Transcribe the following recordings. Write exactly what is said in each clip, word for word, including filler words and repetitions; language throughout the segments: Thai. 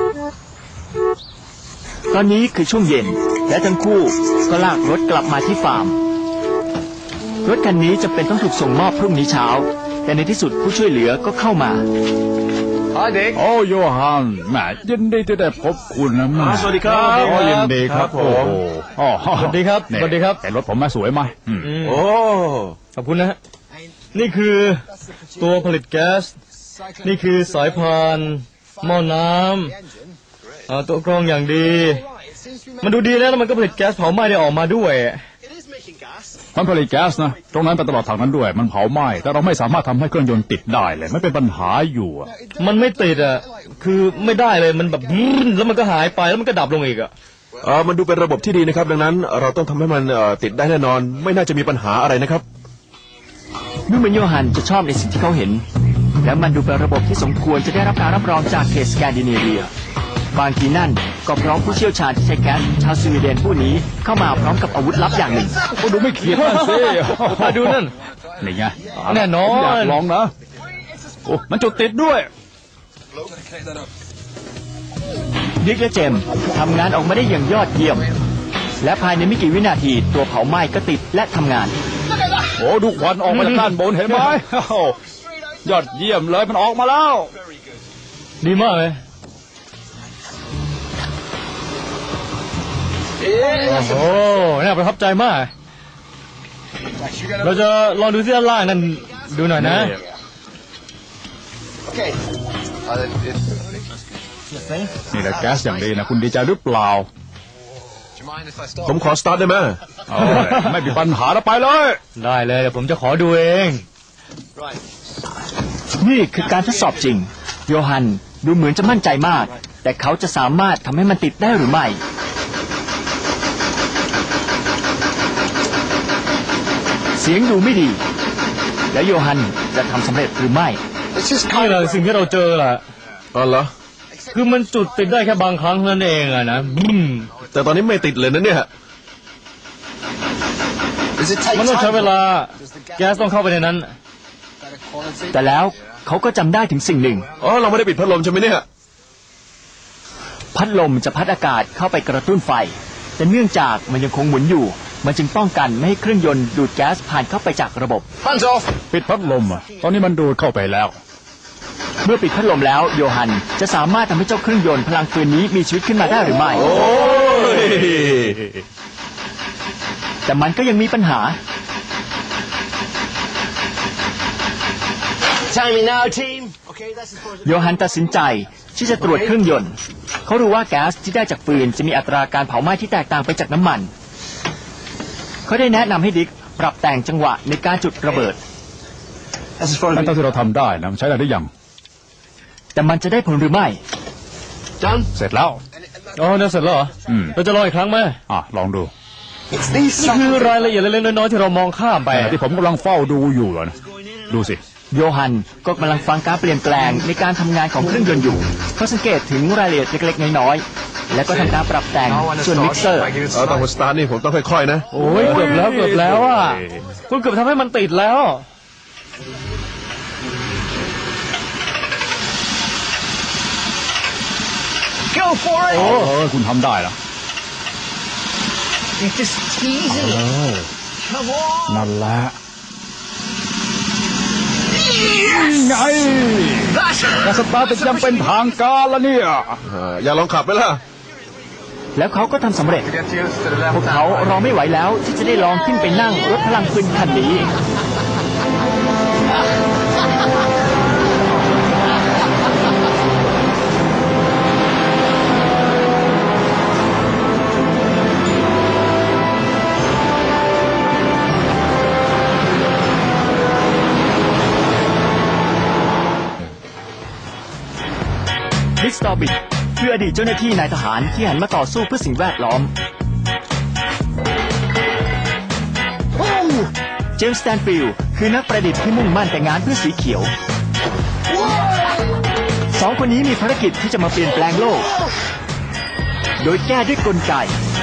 ตอนนี้คือช่วงเย็นและทั้งคู่ก็ลากรถกลับมาที่ฟาร์มรถคันนี้จะเป็นต้องถูกส่งมอบพรุ่งนี้เช้าแต่ในที่สุดผู้ช่วยเหลือก็เข้ามาโอ้โยฮันแหมยินดีที่ได้พบคุณนะสวัสดีครับโอ้ยินดีครับโอ้โหสวัสดีครับสวัสดีครับแต่รถผมมาสวยไหมโอ้ขอบคุณนะนี่คือตัวผลิตแก๊สนี่คือสายพานหม้อน้ำตัวกรองอย่างดีมันดูดีแล้วมันก็ผลิตแก๊สเผาไหม้ได้ออกมาด้วยมันผลิตแก๊สนะตรงนั้นไปตลอดทางนั้นด้วยมันเผาไหม้แต่เราไม่สามารถทำให้เครื่องยนต์ติดได้เลยไม่เป็นปัญหาอยู่มันไม่ติดอ่ะคือไม่ได้เลยมันแบบแล้วมันก็หายไปแล้วมันก็ดับลงอีกอ่ะเออมันดูเป็นระบบที่ดีนะครับดังนั้นเราต้องทำให้มันติดได้แน่นอนไม่น่าจะมีปัญหาอะไรนะครับดูเหมือนโยฮันจะชอบในสิ่งที่เขาเห็นและมันดูเป็นระบบที่สมควรจะได้รับการรับรองจากเขตสแกนดิเนเวียบางทีนั่นก็พร้อมผู้เชี่ยวชาญที่ใช้แก๊สชาวสวีเดนผู้นี้เข้ามาพร้อมกับอาวุธลับอย่างหนึ่งโอ้ดูไม่เขียดนั่นสิมาดูนั่นนี่ไงแน่นอนอยากลองนะโอ้มันจุดติดด้วยดิกและเจมทำงานออกมาได้อย่างยอดเยี่ยมและภายในไม่กี่วินาทีตัวเผาไหม้ก็ติดและทำงานโอ้ดูควันออกมาจากด้านบนเห็นไหมยอดเยี่ยมเลยมันออกมาแล้วดีมากเลยโอ้น่าประทับใจมากเราจะลองดูที่ด้านล่างนั่นดูหน่อยนะนี่แหละแก๊สอย่างดีนะคุณดีใจหรือเปล่าผมขอสตาร์ทได้ไหมไม่มีปัญหาแล้วไปเลยได้เลยเดี๋ยวผมจะขอดูเองนี่คือการทดสอบจริงโยฮันดูเหมือนจะมั่นใจมากแต่เขาจะสามารถทำให้มันติดได้หรือไม่เสียงดูไม่ดีแล้วโยฮันจะทำสำเร็จหรือไม่นี่แหละสิ่งที่เราเจอแหละอ๋อเหรอคือมันจุดติดได้แค่บางครั้งนั่นเองอะนะแต่ตอนนี้ไม่ติดเลยนะเนี่ยมันต้องใช้เวลาแก๊สต้องเข้าไปในนั้นแต่แล้วเขาก็จำได้ถึงสิ่งหนึ่งอ๋อเราไม่ได้ปิดพัดลมใช่ไหมเนี่ยพัดลมจะพัดอากาศเข้าไปกระตุ้นไฟแต่เนื่องจากมันยังคงหมุนอยู่มันจึงป้องกันไม่ให้เครื่องยนต์ดูดแก๊สผ่านเข้าไปจากระบบปิดพัดลมอ่ะตอนนี้มันดูดเข้าไปแล้วเมื่อปิดพัดลมแล้วโยฮันจะสามารถทำให้เจ้าเครื่องยนต์พลังฟืนนี้มีชีวิตขึ้นมาได้หรือไม่แต่มันก็ยังมีปัญหาโยฮันตัดสินใจที่จะตรวจเครื่องยนต์เขารู้ว่าแก๊สที่ได้จากฟืนจะมีอัตราการเผาไหม้ที่แตกต่างไปจากน้ำมันเขาได้แนะนำให้ดิกปรับแต่งจังหวะในการจุดระเบิดนั่นเท่าที่เราทำได้นะใช้ได้หรือยังแต่มันจะได้ผลหรือไม่เสร็จแล้วอ๋อเนี่ยเสร็จแล้วเหรอเราจะลองอีกครั้งไหมอ่ะลองดูนี่คือรายละเอียดเล็กๆน้อยๆที่เรามองข้ามไปที่ผมกำลังเฝ้าดูอยู่นะดูสิโยฮันก็กำลังฟังการเปลี่ยนแปลงในการทำงานของเครื่องยนต์อยู่เขาสังเกตถึงรายละเอียดเล็กๆน้อยๆและก็ทำการปรับแต่งส่วนมิกเซอร์เออตอนสตาร์ทนี่ผมต้องค่อยๆนะโอ้ยเกือบแล้วเกือบแล้วอ่ะคุณเกือบทำให้มันติดแล้วโอ้คุณทำได้แล้วนั่นแหละไงการสตาร์ทยังเป็นทางการแล้วเนี่ยอย่าลองขับไปล่ะแล้วเขาก็ทำสำเร็จพวกเขารอไม่ไหวแล้วที่จะได้ลองขึ้นไปนั่งรถพลังฟืนคันนี้ดิกสตอบิทคืออดีตเจ้าหน้าที่นายทหารที่หันมาต่อสู้เพื่อสิ่งแวดล้อมเจมส์ สแตนฟิลด์คือนักประดิษฐ์ที่มุ่งมั่นแต่งานเพื่อสีเขียวสองคนนี้มีภารกิจที่จะมาเปลี่ยนแปลงโลกโดยแก้ด้วยกลไก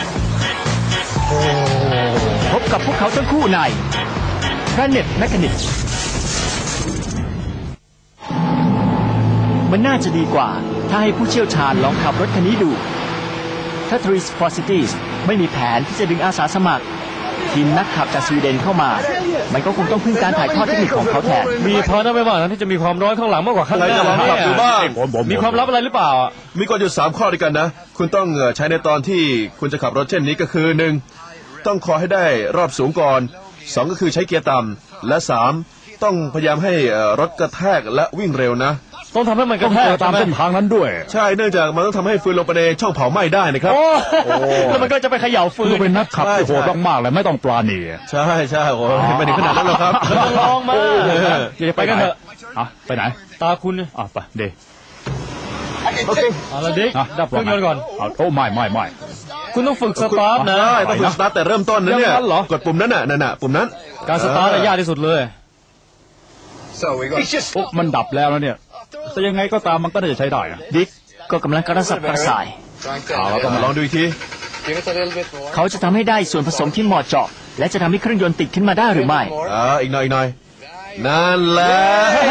พบกับพวกเขาทั้งคู่ใน Planet Mechanics มันน่าจะดีกว่าถ้าให้ผู้เชี่ยวชาญลองขับรถคันนี้ดูถ้า Three Posities ไม่มีแผนที่จะดึงอาสาสมัครทีมนักขับจากสวีเดนเข้ามามันก็คงต้องพึ่งการถ่ายทอดเทคนิคของเขาแทนมีพอนะไม่ว่านะที่จะมีความร้อนข้างหลังมากกว่าข้างหน้าใครจะลองขับดูบ้างมีความลับอะไรหรือเปล่ามีกฎอยู่สามข้อด้วยกันนะ คุณต้องใช้ในตอนที่คุณจะขับรถเช่นนี้ก็คือหนึ่งต้องคอยให้ได้รอบสูงก่อนสองก็คือใช้เกียร์ต่ำและสามต้องพยายามให้รถกระแทกและวิ่งเร็วนะต้องทำให้มันกระแทกตามเส้นทางนั้นด้วยใช่เนื่องจากมันต้องทำให้ฟืนลงไปในช่องเผาไหม้ได้นะครับโอ้แล้วมันก็จะไปเขย่าฟืนเป็นนักขับที่โหดมากๆเลยไม่ต้องปราณีใช่ใช่โอ้ไม่ถึงขนาดนั้นหรอกครับลองมาอย่าไปกันเถอะอ่ะไปไหนตาคุณอ่ะไปเดโอเคเอาละดิดับเครื่องยนต์ก่อนโอ้ไม่ไม่ไม่คุณต้องฝึกสตาร์ทนะต้องฝึกสตาร์ทแต่เริ่มต้นนะเนี่ยกดปุ่มนั้นน่ะนั่นน่ะปุ่มนั้นการสตาร์ทยากที่สุดเลยโอ้มันดับแล้วแล้วเนี่ยแต่ยังไงก็ตามมันก็น่าจะใช้ได้นะดิ๊กก็กำลังกระสับกระส่ายเราต้องมาลองดูอีกทีเขาจะทำให้ได้ส่วนผสมที่เหมาะเจาะและจะทำให้เครื่องยนต์ติดขึ้นมาได้หรือไม่อ่าอีกหน่อยอีกหน่อยนั่นแหละ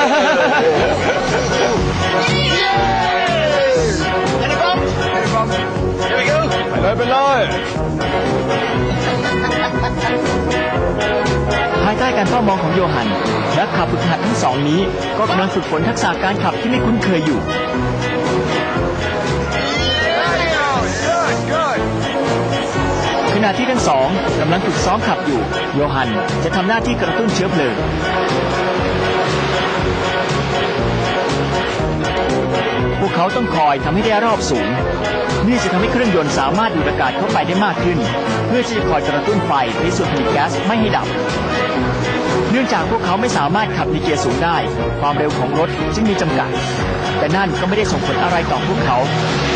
ไปเลยไปเลยภายใต้การเฝ้ามองของโยฮันนักขับฝึกหัดทั้งสองนี้ก็กำลังฝึกฝนทักษะการขับที่ไม่คุ้นเคยอยู่ขณะที่ทั้งสองกำลังฝึกซ้อมขับอยู่โยฮันจะทำหน้าที่กระตุ้นเชื้อเพลิงพวกเขาต้องคอยทำให้ได้รอบสูงนี่จะทำให้เครื่องยนต์สามารถดูดอากาศเข้าไปได้มากขึ้นเพื่อที่จะคอยกระตุ้นไฟในส่วนผลิตแก๊สไม่ให้ดับเนื่องจากพวกเขาไม่สามารถขับในเกียร์สูงได้ความเร็วของรถจึงมีจำกัดแต่นั่นก็ไม่ได้ส่งผลอะไรต่อพวกเขา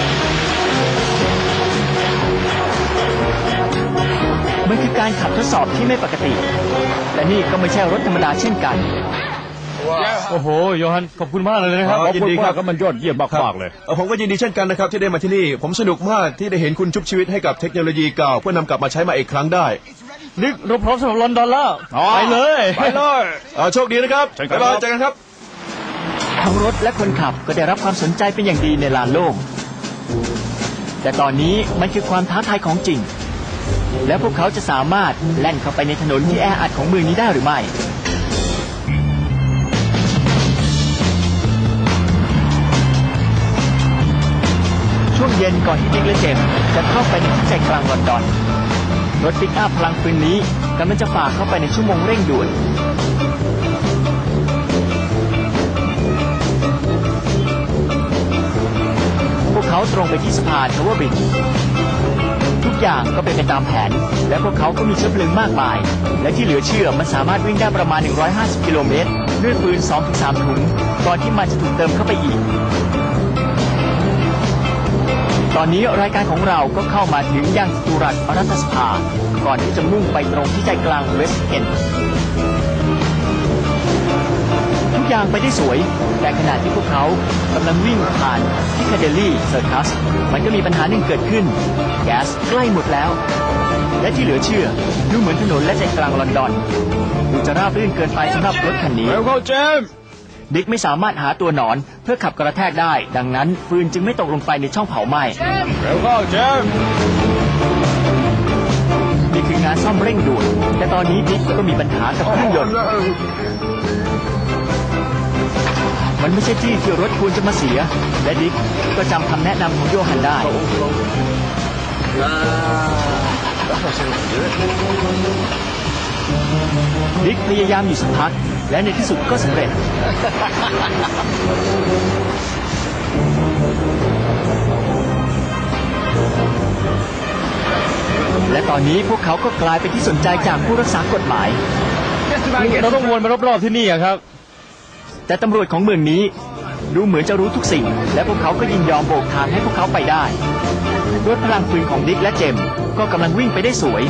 มันคือการขับทดสอบที่ไม่ปกติแต่นี่ก็ไม่ใช่รถธรรมดาเช่นกันโอ้โหโยฮันขอบคุณมากเลยนะครับยินดีครับก็มันยอดเยี่ยมมากๆเลยผมก็ยินดีเช่นกันนะครับที่ได้มาที่นี่ผมสนุกมากที่ได้เห็นคุณชุบชีวิตให้กับเทคโนโลยีเก่าเพื่อนำกลับมาใช้มาอีกครั้งได้นิกเราพร้อมสำหรับลอนดอนแล้วไปเลยไปเลยโชคดีนะครับบ๊ายบายเจอกันครับทั้งรถและคนขับก็ได้รับความสนใจเป็นอย่างดีในลานโล่งแต่ตอนนี้มันคือความท้าทายของจริงและพวกเขาจะสามารถแล่นเข้าไปในถนนที่แออัดของเมืองนี้ได้หรือไม่ช่วงเย็นก่อนที่ดิ๊กและเจมส์จะเข้าไปในที่ใจกลางลอนดอนรถปิกอัพพลังปืนนี้กำลังจะฝ่าเข้าไปในชั่วโมงเร่งด่วนพวกเขาตรงไปที่สะพานทาวเวอร์บริดจ์ทุกอย่างก็เป็นไปตามแผนและพวกเขาก็มีเชื้อเพลิงมากมายและที่เหลือเชื่อมันสามารถวิ่งได้ประมาณหนึ่งร้อยห้าสิบกิโลเมตรด้วยปืน สองถึงสาม ถุงก่อนที่มันจะถูกเติมเข้าไปอีกตอนนี้รายการของเราก็เข้ามาถึงยังจตุรัสรัฐสภาก่อนที่จะมุ่งไปตรงที่ใจกลางเวสต์เอนด์ทุกอย่างไปได้สวยแต่ขณะที่พวกเขากำลังวิ่งผ่านพิคาเดลลี่เซอร์คัสมันก็มีปัญหาหนึ่งเกิดขึ้นแก๊สใกล้หมดแล้วและที่เหลือเชื่อดูเหมือนถนนและใจกลางลอนดอนดูจะราบรื่นเกินไปสำหรับรถคันนี้แล้วก็เจมดิ๊กไม่สามารถหาตัวหนอนเพื่อขับกระแทกได้ดังนั้นฟืนจึงไม่ตกลงไปในช่องเผาไหม้เร็วเข้าเจมนี่คืองานซ่อมเร่งด่วนแต่ตอนนี้ดิ๊กก็มีปัญหากับเครื่องยนต์มันไม่ใช่ที่ที่รถควรจะมาเสียและดิ๊กก็จำคำแนะนำของโยฮันได้ดิ๊กพยายามอยู่สักพักและในที่สุดก็สำเร็จและตอนนี้พวกเขาก็กลายเป็นที่สนใจจากผู้รักษากฎหมายเราต้องวนมารอบๆที่นี่ครับแต่ตำรวจของเมืองนี้ดูเหมือนจะรู้ทุกสิ่งและพวกเขาก็ยินยอมโบกทางให้พวกเขาไปได้รถพลังปืนของดิ๊กและเจมส์ก็กำลังวิ่งไปได้สวย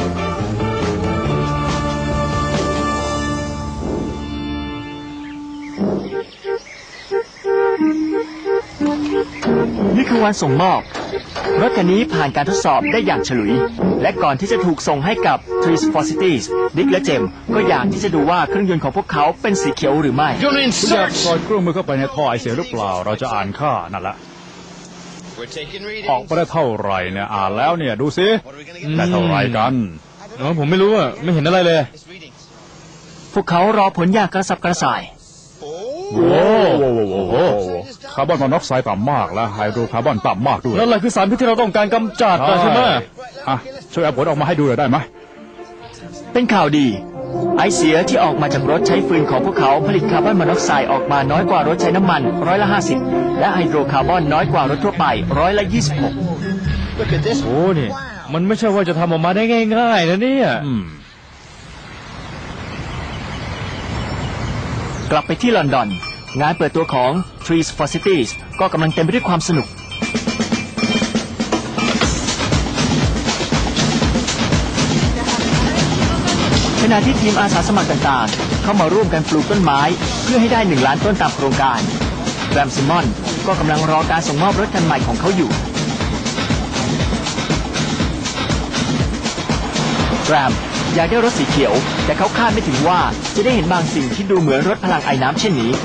นี่คือวันส่งมอบรถคันนี้ผ่านการทดสอบได้อย่างฉลุยและก่อนที่จะถูกส่งให้กับ Three Posities ดิ๊กและเจมส์ก็อยากที่จะดูว่าเครื่องยนต์ของพวกเขาเป็นสีเขียวหรือไม่คุณอยากสอดเครื่องมือเข้าไปในท่อไอเสียหรือเปล่าเราจะอ่านค่านั่นแหละออกมาได้เท่าไหร่เนี่ยอ่านแล้วเนี่ยดูสิได้เท่าไหร่กันอ๋อผมไม่รู้อ่ะไม่เห็นอะไรเลยพวกเขารอผลอย่างกระสับกระส่ายโอ้โหคาร์บอนมอนอกไซด์ต่ำมากและไฮโดรคาร์บอนต่ำมากด้วยนั่นแหละคือสารพิษที่เราต้องการกำจัดใช่ไหมอ่ะช่วยเอาผลออกมาให้ดูหน่อยได้ไหมเป็นข่าวดีไอเสียที่ออกมาจากรถใช้ฟืนของพวกเขาผลิตคาร์บอนมอนอกไซด์ออกมาน้อยกว่ารถใช้น้ำมันร้อยละห้าสิบและไฮโดรคาร์บอนน้อยกว่ารถทั่วไปร้อยละยี่สิบหกโอ้นี่มันไม่ใช่ว่าจะทำออกมาได้ง่ายๆนะเนี่ยกลับไปที่ลอนดอนงานเปิดตัวของ Trees for Cities ก็กำลังเต็มไปด้วยความสนุกขณะที่ทีมอาสาสมัครต่างๆเข้ามาร่วมกันปลูกต้นไม้เพื่อให้ได้หนึ่งล้านต้นตามโครงการแรมซิมอนก็กำลังรอการส่งมอบรถคันใหม่ของเขาอยู่แรมอยากได้รถสีเขียวแต่เขาคาดไม่ถึงว่าจะได้เห็นบางสิ่งที่ดูเหมือนรถพลังไอ้น้ำเช่นนี้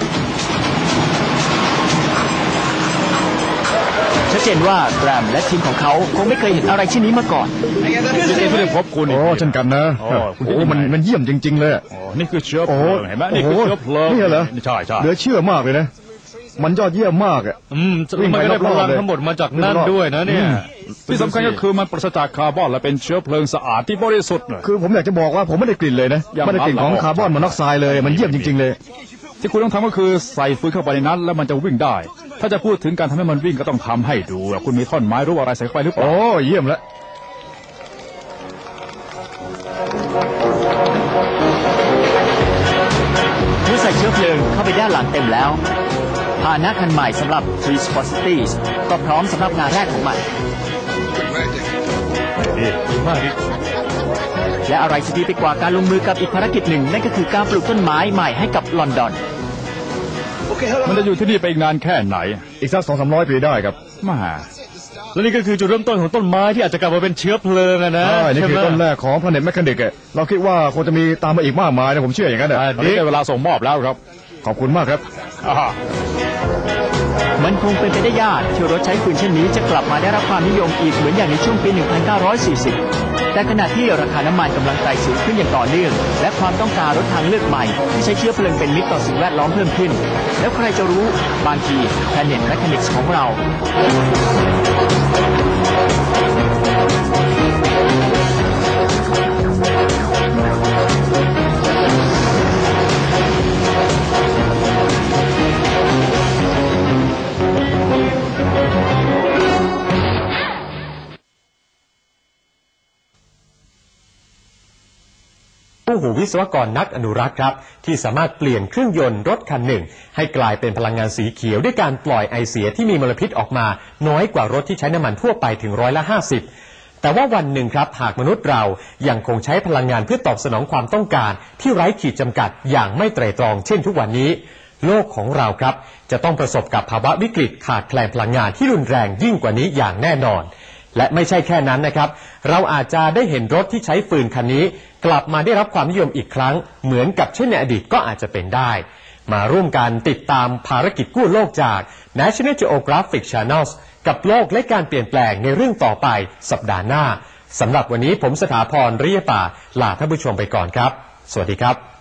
ชัดเจนว่าแรมและทีมของเขาคงไม่เคยเห็นอะไรเช่นนี้มาก่อนยินดีที่ได้พบคุณโอ้เช่นกันนะโอ้มันมันเยี่ยมจริงๆเลยนี่คือเชื้อเพลิงเห็นไหมนี่คือเชื้อเพลิงนี่เหรอใช่ใช่เหลือเชื่อมากเลยนะมันยอดเยี่ยมมากอ่ะอืมมันก็ได้พลังทั้งหมดมาจากนั่นด้วยนะเนี่ยที่สำคัญก็คือมันปราศจากคาร์บอนและเป็นเชื้อเพลิงสะอาดที่บริสุทธิ์คือผมอยากจะบอกว่าผมไม่ได้กลิ่นเลยนะไม่ได้กลิ่นของคาร์บอนมอนอกไซด์เลยมันเยี่ยมจริงๆเลยที่คุณต้องทำก็คือใส่ฟืนเข้าไปในนั้นแล้วมันจะวิ่งได้ถ้าจะพูดถึงการทำให้มันวิ่งก็ต้องทำให้ดูคุณมีท่อนไม้รู้อะไรใส่เข้าไปหรือเปล่าโอ้เยี่ยมแล้วเมื่อใส่เชื้อเพลิงเข้าไปด้านหลังเต็มแล้วพาหนะคันใหม่สำหรับ Trees for Cities ก็พร้อมสำหรับงานแรกของมันและอะไรจะดีไปกว่าการลงมือกับอีกภารกิจหนึ่งนั่นก็คือการปลูกต้นไม้ใหม่ให้กับลอนดอนมันจะอยู่ที่นี่ไปอีกนานแค่ไหนอีกสักสองสามร้อยปีได้ครับมาและนี่ก็คือจุดเริ่มต้นของต้นไม้ที่อาจจะกลับมาเป็นเชื้อเพลิงนะใช่นี่คือต้นแรกของ Planet Mechanic เราคิดว่าคงจะมีตามมาอีกมากมายนะผมเชื่ออย่างนั้นนะนี่ได้เวลาส่งมอบแล้วครับขอบคุณมากครับมันคงเป็นไปได้ยากที่รถใช้ฟืนเช่นนี้จะกลับมาได้รับความนิยมอีกเหมือนอย่างในช่วงปี หนึ่งพันเก้าร้อยสี่สิบ แต่ขณะที่ราคาน้ำมันกำลังไต่สูงขึ้นอย่างต่อเนื่องและความต้องการรถทางเลือกใหม่ที่ใช้เชื้อเพลิงเป็นมิตรต่อสิ่งแวดล้อมเพิ่มขึ้นแล้วใครจะรู้บางที Planet Mechanics ของเราผู้หูวิศวกรนักอนุรักษ์ครับที่สามารถเปลี่ยนเครื่องยนต์รถคันหนึ่งให้กลายเป็นพลังงานสีเขียวด้วยการปล่อยไอเสียที่มีมลพิษออกมาน้อยกว่ารถที่ใช้น้ำมันทั่วไปถึงร้อยละห้าสิบแต่ว่าวันหนึ่งครับหากมนุษย์เรายังคงใช้พลังงานเพื่อตอบสนองความต้องการที่ไร้ขีดจำกัดอย่างไม่ไตร่ตรองเช่นทุกวันนี้โลกของเราครับจะต้องประสบกับภาวะวิกฤตขาดแคลนพลังงานที่รุนแรงยิ่งกว่านี้อย่างแน่นอนและไม่ใช่แค่นั้นนะครับเราอาจจะได้เห็นรถที่ใช้ฟืนคันนี้กลับมาได้รับความนิยมอีกครั้งเหมือนกับเช่นในอดีตก็อาจจะเป็นได้มาร่วมกันติดตามภารกิจกู้โลกจาก National Geographic Channel กับโลกและการเปลี่ยนแปลงในเรื่องต่อไปสัปดาห์หน้าสำหรับวันนี้ผมสถาพร เรียป่าลาท่านผู้ชมไปก่อนครับสวัสดีครับ